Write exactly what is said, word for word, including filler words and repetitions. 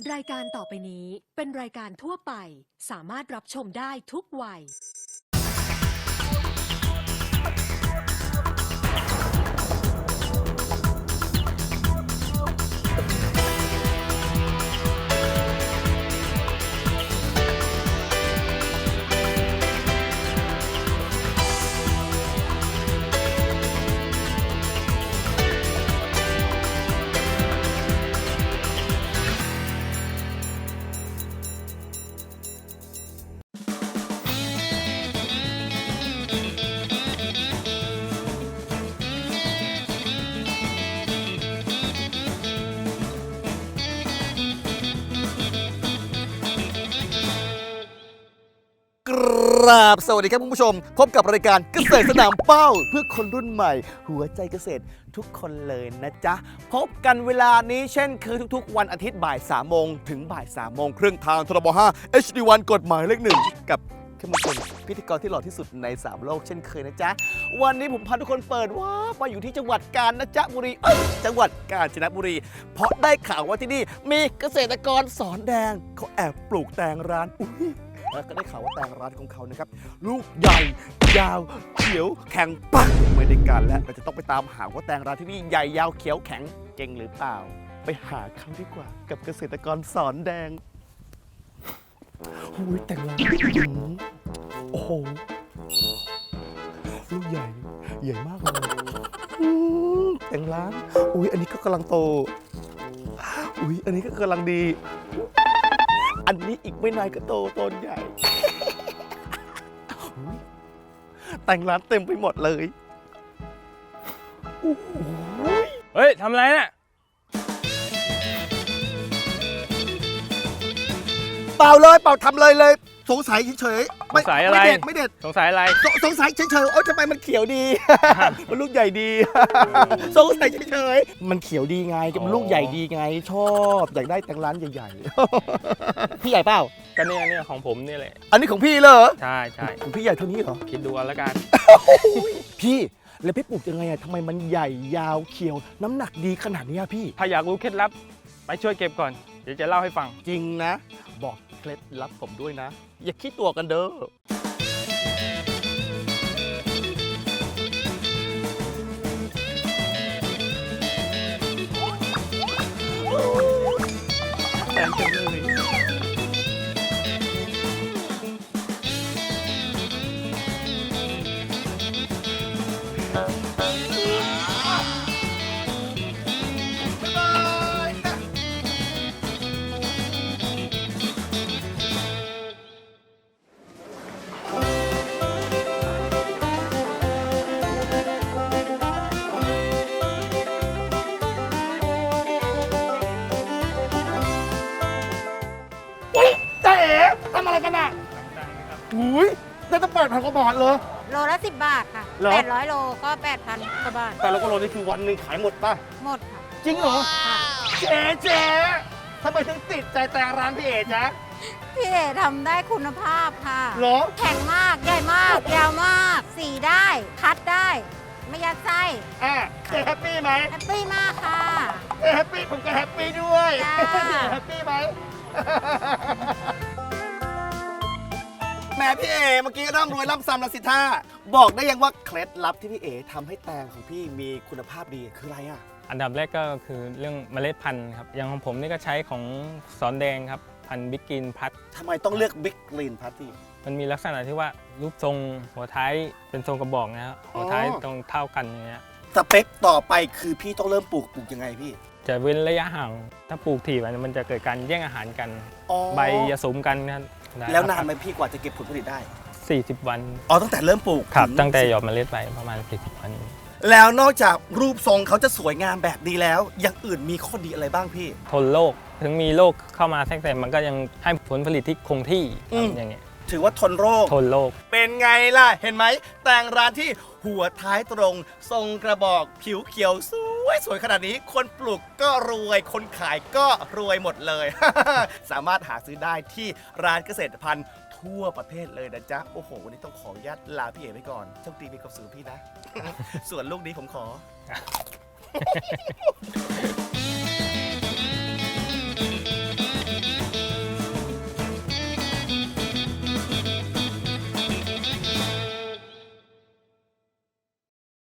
รายการต่อไปนี้เป็นรายการทั่วไปสามารถรับชมได้ทุกวัยครับสวัสดีครับคุณผู้ชมพบกับรายการเกษตรสนามเป้าเพื่อคนรุ่นใหม่หัวใจเกษตรทุกคนเลยนะจ๊ะพบกันเวลานี้เช่นเคยทุกๆวันอาทิตย์บ่ายสามโมงถึงบ่ายสามโมงครึ่งทางทรบห้า เอช ดี วัน กฎหมายเลขหนึ่งกับเข้มข้นพิธีกรที่หล่อที่สุดในสามโลกเช่นเคยนะจ๊ะวันนี้ผมพาทุกคนเปิดว่ามาอยู่ที่จังหวัดกาญจนบุรีเอ้ยจังหวัดกาญจนบุรีเพราะได้ข่าวว่าที่นี่มีเกษตรกรสอนแดงเขาแอบปลูกแตงร้านอุ้ยแล้วก็ได้ข่าวว่าแตงร้านของเขานะครับลูกใหญ่ยาวเขียวแข็งปักไม่ได้การแล้วเราจะต้องไปตามหาว่าแตงร้านที่นี่ใหญ่ยาวเขียวแข็งเก่งหรือเปล่าไปหาเขาดีกว่ากับเกษตรกรสอนแดงหูยแตงร้านโอ้โหลูกใหญ่ใหญ่มากเลยอืมแตงร้านอุ้ยอันนี้ก็กำลังโตอุ้ยอันนี้ก็กำลังดีอันนี้อีกไม่นานก็โตต้นใหญ่ แต่งร้านเต็มไปหมดเลยเฮ้ยทำอะไรน่ะเปล่าเลยเปล่าทำเลยเลยสงสัยเฉยๆสงสัยอะไรไม่เด็ดไม่เด็ดสงสัยอะไรสสงสัยเฉยๆโอ๊ยทำไมมันเขียวดี มันลูกใหญ่ดี สงสัยเฉยๆมันเขียวดีไงมันลูกใหญ่ดีไงชอบอยากได้แต่งร้านใหญ่ๆ พี่ใหญ่เปล่าก็เนี่ยเนี่ยของผมนี่แหละอันนี้ของพี่เหรอใช่ใช่ของพี่ใหญ่เท่านี้เหรอคิดดูเอาละกันพี่แล้วพี่ปลูกยังไงอะทำไมมันใหญ่ยาวเขียวน้ำหนักดีขนาดนี้อะพี่ถ้าอยากรู้เคล็ดลับไปช่วยเก็บก่อนเดี๋ยวจะเล่าให้ฟังจริงนะบอกเคล็ดลับผมด้วยนะอย่าคิดตัวกันเด้อแอนจังเลยเจ๊ทำอะไรกันอ่ะอุ้ยได้ตั้งแปดพันกว่าบาทเลยโลละสิบบาทค่ะแปดร้อยโลก็แปดพันกว่าบาทแต่ละกิโลนี่คือวันหนึ่งขายหมดป่ะหมดค่ะจริงเหรอค่ะเจ๊เจ๊ทำไมถึงติดใจแต่ร้านพี่เอ๋จ๊ะพี่เอทำได้คุณภาพค่ะเหรอแข็งมากใหญ่มากยาวมากสีได้คัดได้ไม่ยัดไส้อ่ะเจ๊แฮปปี้ไหมแฮปปี้มากค่ะเจ๊แฮปปี้ผมก็แฮปปี้ด้วยเจ๊แฮปปี้ไหมแม่พี่เอ๋เมื่อกี้ร่ำรวยร่ำซ้ำละสิท่าบอกได้ยังว่าเคล็ดลับที่พี่เอ๋ทำให้แตงของพี่มีคุณภาพดีคืออะไรอ่ะอันดับแรกก็คือเรื่องเมล็ดพันธุ์ครับอย่างของผมนี่ก็ใช้ของสอนแดงครับพันธุ์บิ๊กกรีนพัดทำไมต้องเลือกบิ๊กกรีนพัดที่มันมีลักษณะที่ว่ารูปทรงหัวท้ายเป็นทรงกระบอกนะครับหัวท้ายตรงเท่ากันอย่างเงี้ยสเปคต่อไปคือพี่ต้องเริ่มปลูกปลูกยังไงพี่จะเว้นระยะห่างถ้าปลูกถี่มันจะเกิดการแย่งอาหารกันใบจะสมกันครับแล้วนานไหมพี่กว่าจะเก็บผลผลิตได้สี่สิบวันอ๋อตั้งแต่เริ่มปลูกครับตั้งแต่หยอดเมล็ดไปประมาณสี่สิบวันแล้วนอกจากรูปทรงเขาจะสวยงามแบบนี้แล้วอย่างอื่นมีข้อดีอะไรบ้างพี่ทนโรคถึงมีโรคเข้ามาแทรกแซงมันก็ยังให้ผลผลิตที่คงที่อย่างเงี้ยถือว่าทนโรคทนโรคเป็นไงล่ะเห็นไหมแต่งร้านที่หัวท้ายตรงทรงกระบอกผิวเขียวสวยสวยขนาดนี้คนปลูกก็รวยคนขายก็รวยหมดเลย สามารถหาซื้อได้ที่ร้านเกษตรพันธุ์ทั่วประเทศเลยนะจ๊ะโอ้โหวันนี้ต้องขออนุญาตลาพี่เอ๋ไปก่อนโชคดีมีความสุขพี่นะ ส่วนลูกนี้ผมขอ